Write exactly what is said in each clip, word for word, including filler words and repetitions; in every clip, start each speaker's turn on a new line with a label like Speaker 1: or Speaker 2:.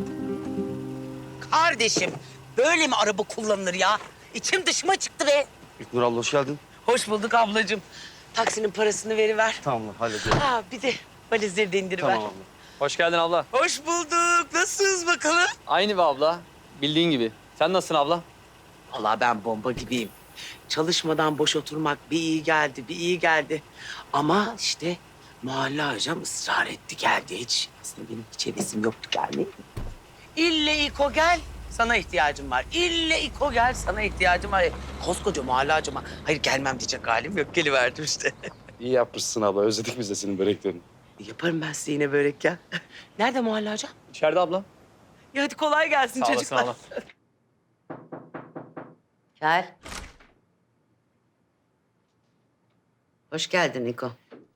Speaker 1: Kardeşim, böyle mi araba kullanılır ya? İçim dışıma çıktı be.
Speaker 2: İlknur abla hoş geldin.
Speaker 1: Hoş bulduk ablacığım. Taksinin parasını veriver.
Speaker 2: Tamam hallediyorum.
Speaker 1: Ha, bir de valizleri de indiriver.
Speaker 2: Tamam abla.
Speaker 3: Hoş geldin abla.
Speaker 1: Hoş bulduk. Nasılsınız bakalım?
Speaker 3: Aynı be abla. Bildiğin gibi. Sen nasılsın abla?
Speaker 1: Vallahi ben bomba gibiyim. Çalışmadan boş oturmak bir iyi geldi, bir iyi geldi. Ama işte Muhalla hocam ısrar etti, geldi hiç. Aslında benim hiç hevesim yoktu gelmeye. İlle İko gel, sana ihtiyacım var. İlle İko gel, sana ihtiyacım var. Koskoca Muhalla hocama, hayır gelmem diyecek halim yok. Geliverdim işte.
Speaker 2: İyi yapmışsın abla. Özledik biz de senin böreklerini.
Speaker 1: Yaparım ben size yine börek ya. Nerede Muhalla hocam?
Speaker 3: İçeride abla.
Speaker 1: Ya hadi kolay gelsin
Speaker 3: Sağ olasın
Speaker 1: çocuklar.
Speaker 3: abla.
Speaker 4: Gel. Hoş geldin Niko.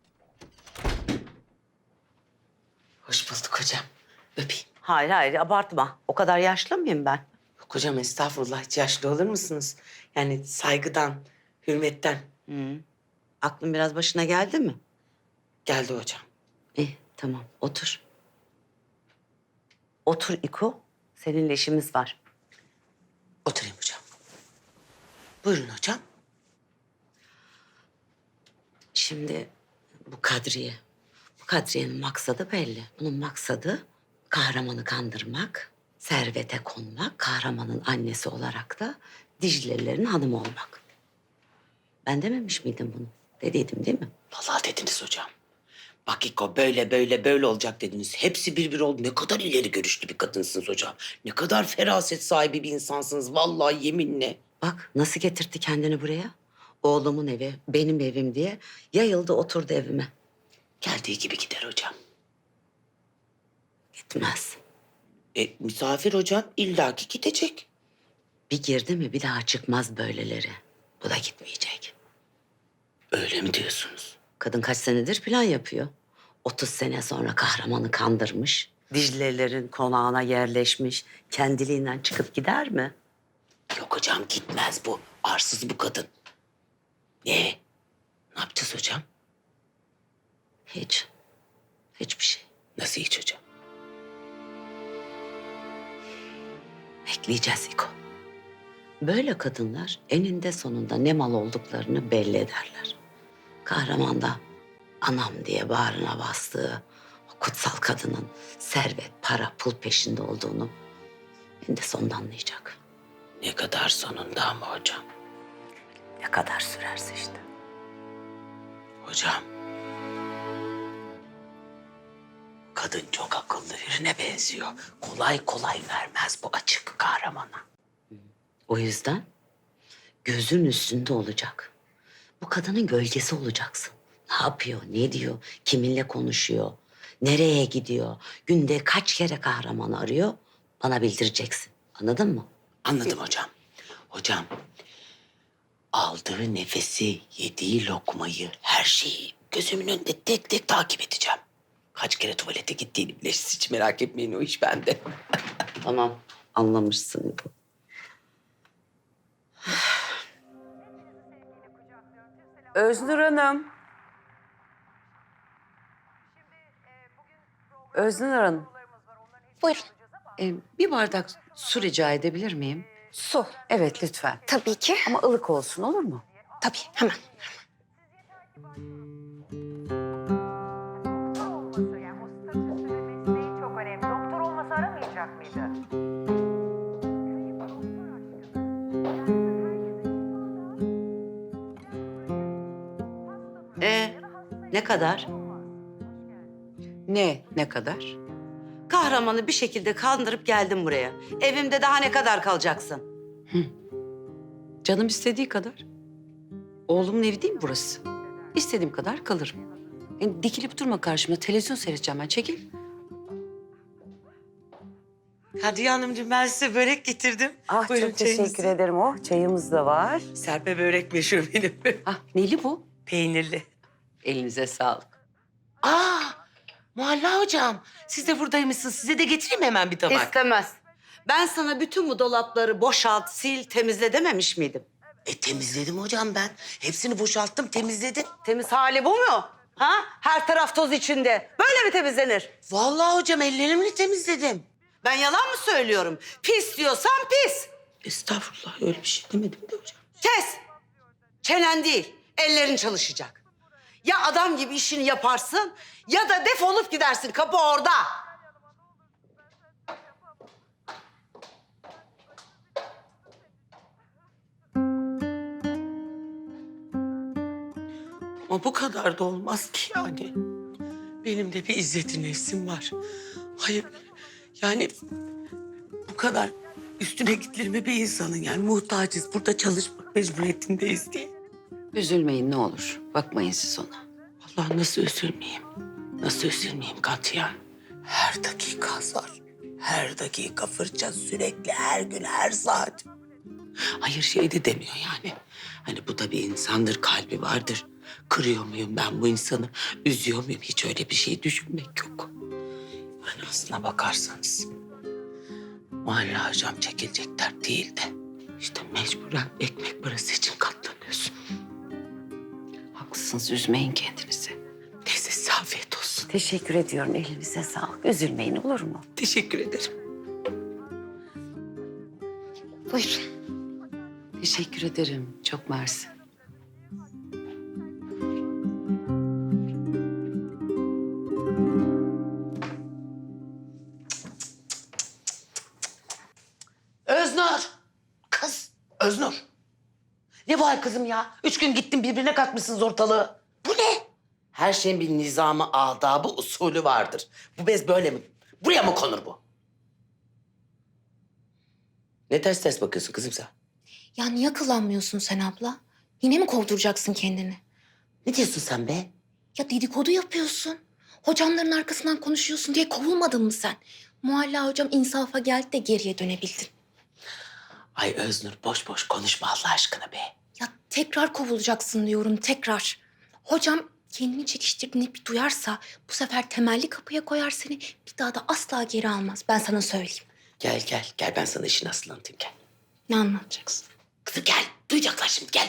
Speaker 1: Hoş bulduk hocam. Öpeyim.
Speaker 4: Hayır hayır abartma. O kadar yaşlı mıyım ben?
Speaker 1: Yok hocam estağfurullah, hiç yaşlı olur musunuz? Yani saygıdan, hürmetten
Speaker 4: Hı. Aklın biraz başına geldi mi?
Speaker 1: geldi hocam.
Speaker 4: İyi tamam otur. Otur İko. Seninle işimiz var.
Speaker 1: Oturayım hocam. Buyurun hocam.
Speaker 4: Şimdi bu Kadriye. Bu Kadriye'nin maksadı belli. Bunun maksadı kahramanı kandırmak, servete konmak, kahramanın annesi olarak da Diclelilerin hanımı olmak. Ben dememiş miydim bunu? Dediydim değil mi?
Speaker 1: Vallahi dediniz hocam. Bak İko böyle böyle böyle olacak dediniz. Hepsi bir bir oldu. Ne kadar ileri görüşlü bir kadınsınız hocam. Ne kadar feraset sahibi bir insansınız. Vallahi yeminle.
Speaker 4: Bak nasıl getirtti kendini buraya. Oğlumun evi, benim evim diye yayıldı oturdu evime.
Speaker 1: Geldiği gibi gider hocam.
Speaker 4: Gitmez.
Speaker 1: E, misafir hocam illaki gidecek.
Speaker 4: Bir girdi mi bir daha çıkmaz böyleleri. Bu da gitmeyecek.
Speaker 1: Öyle mi diyorsunuz?
Speaker 4: Kadın kaç senedir plan yapıyor. otuz sene sonra kahramanı kandırmış. Diclelilerin konağına yerleşmiş. Kendiliğinden çıkıp gider mi?
Speaker 1: Yok hocam gitmez bu. Arsız bu kadın. Ne? Ne yapacağız hocam?
Speaker 4: Hiç. Hiçbir şey.
Speaker 1: Nasıl hiç hocam?
Speaker 4: Bekleyeceğiz İko. Böyle kadınlar eninde sonunda ne mal olduklarını belli ederler. Kahraman da anam diye bağrına bastığı o kutsal kadının servet, para, pul peşinde olduğunu eninde sonunda anlayacak.
Speaker 1: Ne kadar sonunda ama hocam.
Speaker 4: Ne kadar sürerse işte.
Speaker 1: Hocam. Kadın çok akıllı birine benziyor. Kolay kolay vermez bu açık kahramana.
Speaker 4: O yüzden gözün üstünde olacak. Bu kadının gölgesi olacaksın. Ne yapıyor, ne diyor, kiminle konuşuyor, nereye gidiyor, günde kaç kere kahramanı arıyor bana bildireceksin. Anladın mı?
Speaker 1: Anladım hocam. Hocam, aldığı nefesi, yediği lokmayı, her şeyi gözümün önünde tek tek takip edeceğim. Kaç kere tuvalete gittiğini bile siz hiç merak etmeyin, o iş bende.
Speaker 4: Tamam, anlamışsın bu. Öznur Hanım. Öznur Hanım.
Speaker 5: Buyurun.
Speaker 4: Ee, bir bardak su rica edebilir miyim?
Speaker 5: Su.
Speaker 4: Evet lütfen.
Speaker 5: Tabii ki.
Speaker 4: Ama ılık olsun olur mu?
Speaker 5: Tabii hemen.
Speaker 6: olması, yani o statüsü ve mesleği çok önemli. Doktor olmasa aramayacak mıydı?
Speaker 4: Ee, ne kadar? Ne, ne kadar? Kahramanı bir şekilde kandırıp geldim buraya. Evimde daha ne kadar kalacaksın? Hı. Canım istediği kadar. Oğlumun evi değil mi burası? İstediğim kadar kalırım. Yani dikilip durma karşıma. Televizyon seyredeceğim ben. Çekil.
Speaker 1: Kadriye Hanımcığım, ben size börek getirdim.
Speaker 4: Ah
Speaker 1: Buyurun
Speaker 4: çok teşekkür
Speaker 1: çayınızı.
Speaker 4: ederim. Oh çayımız da var.
Speaker 1: Serpe börek meşhur benim.
Speaker 4: Ah neli bu?
Speaker 1: Peynirli.
Speaker 4: Elinize sağlık.
Speaker 1: Aa, Muhalla hocam, siz de buradaymışsınız. Size de getireyim hemen bir tabak.
Speaker 4: İstemez. Ben sana bütün bu dolapları boşalt, sil, temizle dememiş miydim?
Speaker 1: E temizledim hocam ben. Hepsini boşalttım, temizledim.
Speaker 4: Temiz hali bu mu? Ha? Her taraf toz içinde. Böyle mi temizlenir?
Speaker 1: Vallahi hocam ellerimle temizledim.
Speaker 4: Ben yalan mı söylüyorum? Pis diyorsan pis.
Speaker 1: Estağfurullah öyle bir şey demedim de hocam.
Speaker 4: Kes. Çenen değil, ellerin çalışacak. Ya adam gibi işini yaparsın ya da defolup gidersin. Kapı orada.
Speaker 1: Ama bu kadar da olmaz ki yani. Benim de bir izzeti nefsim var. Hayır yani bu kadar üstüne gidilir mi bir insanın yani muhtacız. Burada çalışmak mecburiyetindeyiz diye.
Speaker 4: Üzülmeyin ne olur. Bakmayın siz ona.
Speaker 1: Allah nasıl üzülmeyeyim? Nasıl üzülmeyeyim Katya? Her dakika azar. Her dakika fırça sürekli her gün her saat. Hayır şey de demiyor yani. Hani bu da bir insandır, kalbi vardır. Kırıyor muyum ben bu insanı? Üzüyor muyum? Hiç öyle bir şey düşünmek yok. Yani aslına bakarsanız Mahalle hocam çekilecek dert değil de işte mecburen ekmek parası için katlanıyorsun.
Speaker 4: Haklısınız, üzmeyin kendinizi.
Speaker 1: Neyse size afiyet olsun.
Speaker 4: Teşekkür ediyorum, elinize sağlık. Üzülmeyin olur mu?
Speaker 1: Teşekkür ederim.
Speaker 4: Buyurun. Teşekkür ederim, çok mersi.
Speaker 1: Öznur. Kız Öznur. Ne var kızım ya? Üç gün gittin birbirine katmışsınız ortalığı. Bu ne? Her şeyin bir nizamı, adabı, usulü vardır. Bu bez böyle mi? Buraya mı konur bu? Ne ters ters bakıyorsun kızım sen?
Speaker 5: Ya niye akıllanmıyorsun sen abla? Yine mi kovduracaksın kendini?
Speaker 1: Ne diyorsun sen be?
Speaker 5: Ya dedikodu yapıyorsun. Hocamların arkasından konuşuyorsun diye kovulmadın mı sen? Mualla hocam insafa geldi de geriye dönebildin.
Speaker 1: Ay Öznur boş boş konuşma Allah aşkına be.
Speaker 5: Ya tekrar kovulacaksın diyorum tekrar. Hocam kendini çekiştirdiğini bir duyarsa bu sefer temelli kapıya koyar seni. Bir daha da asla geri almaz. Ben sana söyleyeyim.
Speaker 1: Gel gel gel ben sana işin aslını anlatayım gel.
Speaker 5: Ne anlatacaksın?
Speaker 1: Kızım gel duyacaklar şimdi gel.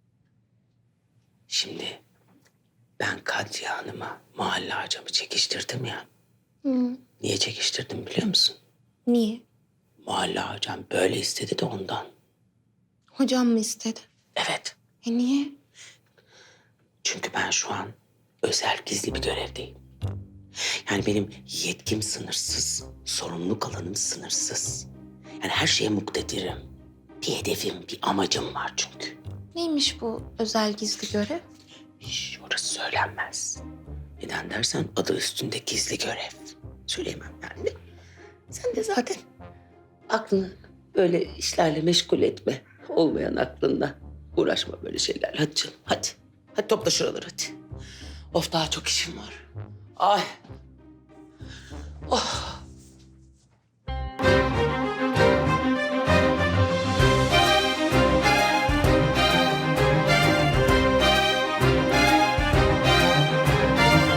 Speaker 1: Şimdi ben Kadriye Hanım'a Mahalle hocamı çekiştirdim ya.
Speaker 5: Hı.
Speaker 1: Niye çekiştirdim biliyor musun?
Speaker 5: Niye?
Speaker 1: Mahalle hocam böyle istedi de ondan.
Speaker 5: Hocam mı istedi?
Speaker 1: Evet.
Speaker 5: E niye?
Speaker 1: Çünkü ben şu an özel gizli bir görevdeyim. Yani benim yetkim sınırsız, sorumluluk alanım sınırsız. Yani her şeye muktedirim. Bir hedefim, bir amacım var çünkü.
Speaker 5: Neymiş bu özel gizli görev?
Speaker 1: Hiç orası söylenmez. Neden dersen adı üstünde gizli görev. Söyleyemem yani. Sen de zaten aklını böyle işlerle meşgul etme. Olmayan aklınla uğraşma böyle şeylerle. Hadi canım hadi. Hadi topla şuraları hadi. Of daha çok işim var. Ay. Oh.